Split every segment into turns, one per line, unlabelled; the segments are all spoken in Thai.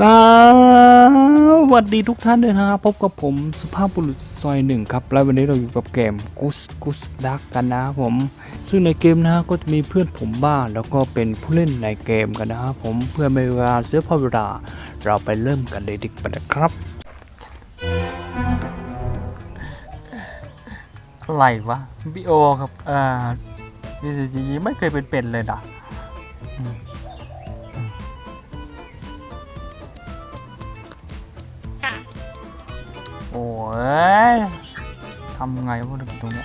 สวัสดีทุกท่านด้วยนะครับพบกับผมสุภาพบุรุษซอยหนึ่งครับและวันนี้เราอยู่กับเกมกุสดักกันนะครับผมซึ่งในเกมนะก็จะมีเพื่อนผมบ้างแล้วก็เป็นผู้เล่นในเกมกันนะครับผมเพื่อไม่ให้เวลาเสียเวลาเราไปเริ่มกันเลยดีกว่านะครับอะไรวะบิโอครับBCGไม่เคยเป็นเลยนะโอ้ยทำไงวะตรงเนี้ย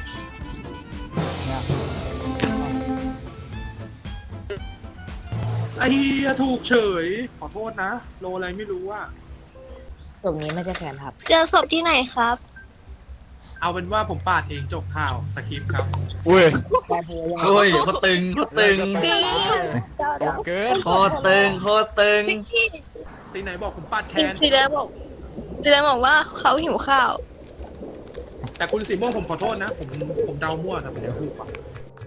ไอ้เหี้ยถูกเฉยขอโทษนะโลอะไรไม่รู้อะ
ตรงนี้ไม่ใช่แขนครับ
เจอศพที่ไหนครับ
เอาเป็นว่าผมปาดเองจบข่าวสคริปต์ครับ
อุ้ย
แต่พยายาม
โอ้ยโคตรตึงโคตรตึง
เกิน
โคตรตึงโคตรตึง
สีไหนบอกผมปาดแคน
สีแดงบอกว่าเขาหิวข้าว
แต่คุณสีม่วงผมขอโทษนะผมเดามั่วแต่ผมจะถูกปะ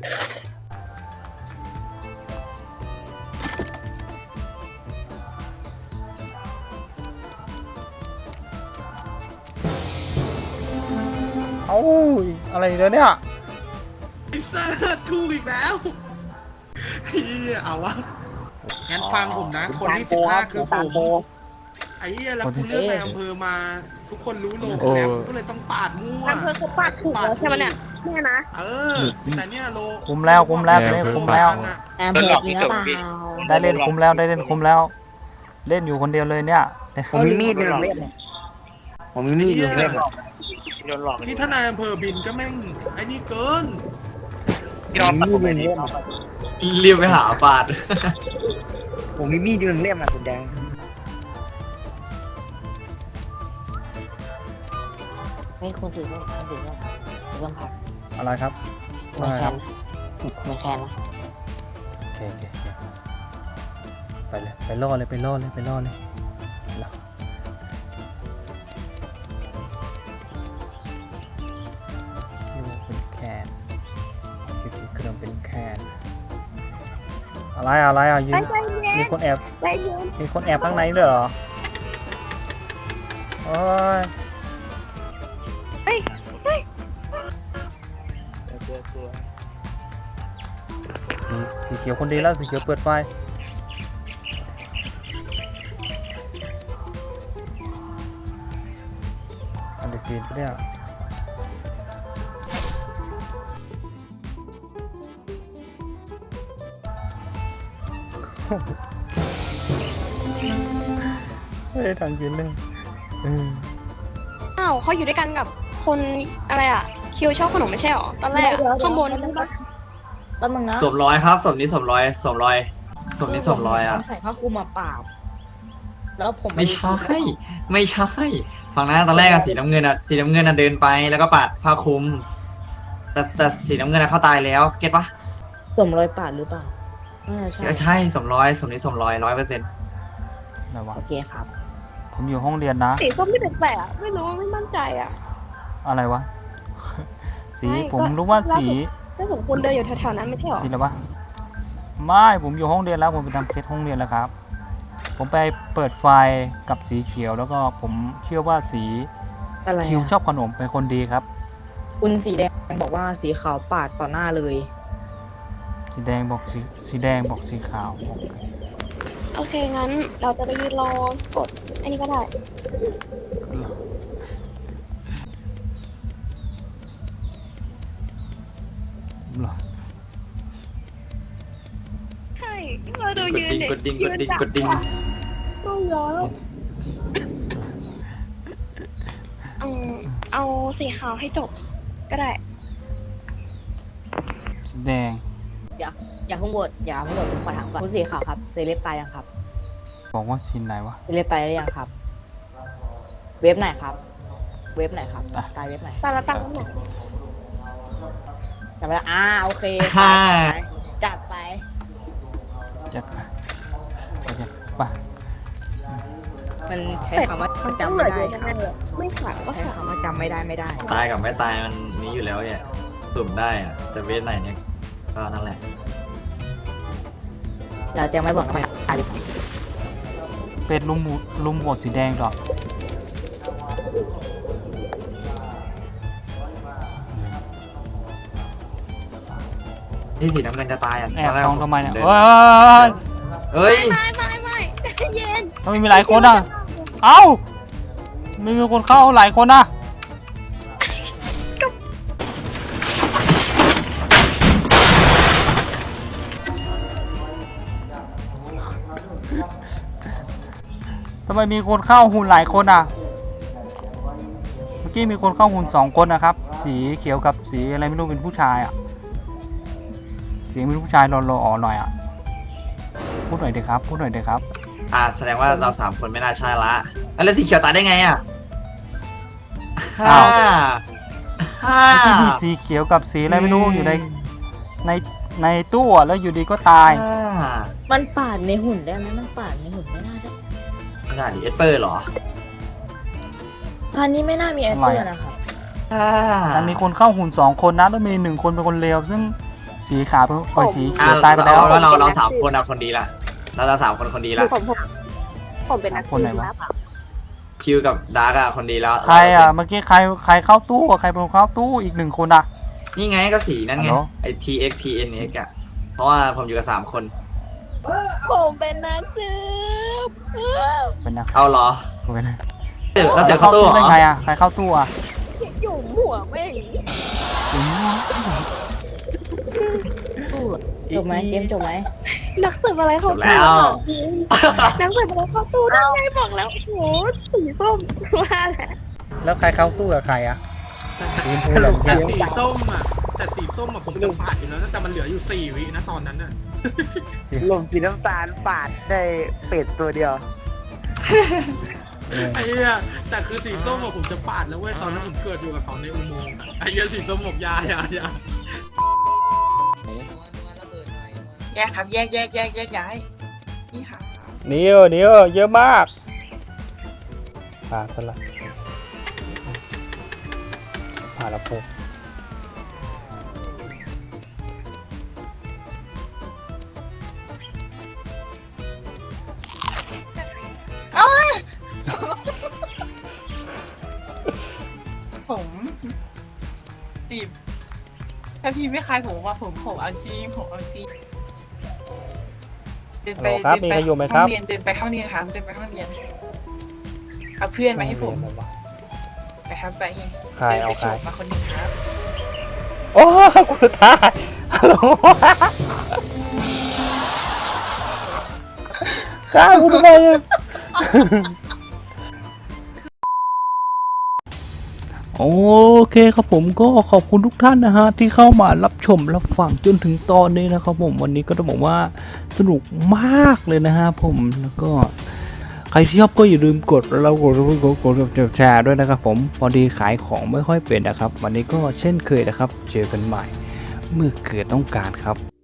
เอ้าอะไรเนี่ย
ไอ้สัสถูกอีกแล้วเฮียเอาวะงั้นฟังผมนะ คนที่15คือผมไอ้เหี้ยแล้วคุณเลือกในอำเภอมาทุกคนรู้โลผมแล้วก็เลยต้องปาดมั่ว
อำเภอเขาปาดถูกแล้วใช่ไหมเนี่ยแม่นะ
เออแต่เนี่ยโล
คุมแล้วเล่นคุมแล้ว
แอมเพิร์จริงหรือเปล่า
ได้เล่นคุมแล้วเล่นอยู่คนเดียวเลยเนี่ย
ผมมีมีดอยู่เล่มเนี่ยผมมีมีดอยู่เล่ม
นี่ถ้านายอำเภอบินก็แม่งไอ้นี่เกิน
ผมมีมีดอยู่เล่ม
เรียบไปหาปาด
ผมมีมีดอยู่เล่มอ่ะคุณแดงไม่คุณถือว่าคุณถือว่าครับ
อะไรครับ
ไม่แคนไม่แคนนะ
โอเคไปเลยไปล่อเลยคิวเป็นแคนคิวเครื่องเป็นแคนอะไรอ่ะยืนมีคนแอบข้างในด้วยเหรอโอ้ยสีเขียวคนดีแล้วสีเขียวเปิดไฟอันเดอร์ฟีนปะเนี่ยไม่ได้ทางยืนเลย
อ้าวเขาอยู่ด้วยกันกับคนอะไรอ่ะ คิวชอบขนมไม่ใช่หรอ ตอนแรกข้างบน
แป๊บนึงนะ
สวมร้อยครับสวมนี้สวมร้อยอ่ะ
ใส่ผ้าคลุมมาปราบแล้วผม
ไม่ใช่ฝั่งนั้นตอนแรกอะสีน้ำเงินอะเดินไปแล้วก็ปาดผ้าคลุม แต่สีน้ำเงินอะเขาตายแล้วเก็ตปะ
สมรอยปาดหรือเปล่าใช่
ใช่สวมร้อยสวมนี้สวมร้อย100%
อะไรวะ
โอเคครับ
ผมอยู่ห้องเรียนนะ
สีส้มไม่แปลกๆอะไม่รู้ไม่มั่นใจอ่ะ
อะไรวะ สี
ไม่
ผมรู้ว่าสี
ถ้าสมควรเดินอยู่แถวๆนั้นไม่ใช่หรอ
สีอะไรวะไม่ผมอยู่ห้องเรียนแล้วผมไปทำเคสห้องเรียนแล้วครับ ผมไปเปิดไฟกับสีเขียวแล้วก็ผมเชื่อว่าสี
อะไร
คิวชอบขนมเป็นคนดีครับ
คุณสีแดงบอกว่าสีขาวปาดต่อหน้าเลย
สีแดงบอกสีขาว
โอเคงั้นเราจะไปยืนรอกดอันนี้ก็ได้ใช่เราดูยืนเด็
กดดิ่ง
ก็เยอะแล้วเอาสีขาวให้จบก็ได้
สีแดง
อย่าเพิ่งโหวตผมขอถามก่อนคุณสีขาวครับเซเลบตายยังครับ
บอกว่าสีไหนวะ
เซเลบตายได้ยังครับ เว็บไหนครับ เว็บไหนครับ
อ่ะ
ตายเว็บไหน
ตาละตังค์หมด
จำไม่ได้โอเค
ฮ่า
จัดไป
จะไป
มันใช้คำว่าจำไม่ได้ครับ
ไม่ขาดก็
ใช้
ขาด
คำว่าจำไม่ได้
ตายกับไม่ตายมันนี้อยู่แล้วเนี่ยสุ่มได้อะจะเวทไหนเนี่ยก็นั่นแหละ
เราจะไม่บอกใครตายดีกว่า
เป็ดลุมโหวตสีแดงต่อ
ที่สีน้ำเงินจะตายอ่ะ
แอบมองทำไมเนี่ย
ดิ
เฮ้ย
เฮ้ย
ไม่ใจเย็น
ทำไมมีหลายคนอ่ะ เอ้าไม่มีคนเข้าหลายคนอ่ะทำไมมีคนเข้าหุ่นหลายคนอ่ะ เมื่อกี้มีคนเข้าหุ่น2 คนนะครับ สีเขียวกับสีอะไรไม่รู้เป็นผู้ชายอ่ะสีเป็นผู้ชายรอๆหน่อยอ่ะ พูดหน่อยเถอะครับพูดหน่อยเถอะครับ
แสดงว่าเรา3 คนไม่น่าใช่ละแล้วสีเขียวตายได้ไงอ่ะ
อ้าว
ฮ่า
เมื่อกี้มีสีเขียวกับสีอะไรไม่รู้อยู่ในตู้อะแล้วอยู่ดีก็ตาย
มันปาดในหุ่นได้ไหมมันปาดในหุ่นไม่น่าได้
ขนาดนี้เอสเปอร์เหรอ
ตอนนี้ไม่น่ามีแอปเปิลนะครับ
มันมีคนเข้าหุ่น2 คนนะแล้วมี1 คนเป็นคนเลวซึ่งสีขาวเป็นสี
อ่า
เขียวตายไปแล้ว
เรา3 คนอะคนดีละเรา3 คนคนดีละ
ผมเป็นนัก
คนไหน
สืบ
วะ
ลับ
คิวกับดาร์กอะคนดีแล้ว
ใครอ่ะเมื่อกี้ใครเข้าตู้อะใครเป็นคนเข้าตู้อีก1 คนอ่ะ
นี่ไงก็สีนั่นไง
ฮัลโหล
ไอ TXPNX อะเพราะว่าผมอยู่กับ3 คน
ผมเป็นนักสืบ
เป็นนัก
เอาเหรอ
เป็นนัก
แล้วเจอเข้าตู้เหร
ได้
อ
ไงอ่ะใครเข้าตู้อ่ะ
หยุ่มหัวแม่ง
จบไหมเกมจบไหม
นักสืบอะไรเขา
จบแล้ว
นักสืบอะไรเขาตู้ได้ไงบอกแล้วโอ้โหสีส้มว่าแหละ
แล้วใครเข้าตู้กับใครอ่ะสีชมพูเหรอ
แต่สีส้มอ่ะผมจะปาดอยู่แล้วนะแต่มันเหลืออยู่4 วินะตอนนั้นน่ะ
ลมสีน้ำตาลปาดได้เป็ดตัวเดียว
ไอ้เหี้ยแต่คือสีส้มอะผมจะปาดแล้วเว้ยตอนนั้นผมเกิดอยู่กับเขาในอุโมงค์อะไอ้เหี้ยสีส้มบอกอยา
แยกครับแยกย้ายนี่ค่ะ
นิวเยอะมากผ่านซะละผ่านแล้วพวก
ผมจีบถ้าพี่ไม่คลายผมว่าผมเอาจริงเดินไป
ครับมีใครอยู่ไหมครับ
ห้องเรียนเดินไปห้องเรียนครับเดินไปห้องเรียนเอาเพื่อนมาให้ผมไปครับไป
ใครเอา
ดินไป
ใคร
ฉกมาคนหนึงครับ
โอ้กูตายฮัลโหลฆ่ากูทำไมเนี่ย โอเคครับผมก็ขอบคุณทุกท่านนะฮะที่เข้ามารับชมรับฟังจนถึงตอนนี้นะครับผมวันนี้ก็ต้องบอกว่าสนุกมากเลยนะฮะผมแล้วก็ใครที่ชอบก็อย่าลืมกดแล้วกดแชร์ด้วยนะครับผมพอดีขายของไม่ค่อยเป็นนะครับวันนี้ก็เช่นเคยนะครับเจอกันใหม่เมื่อเกิดต้องการครับ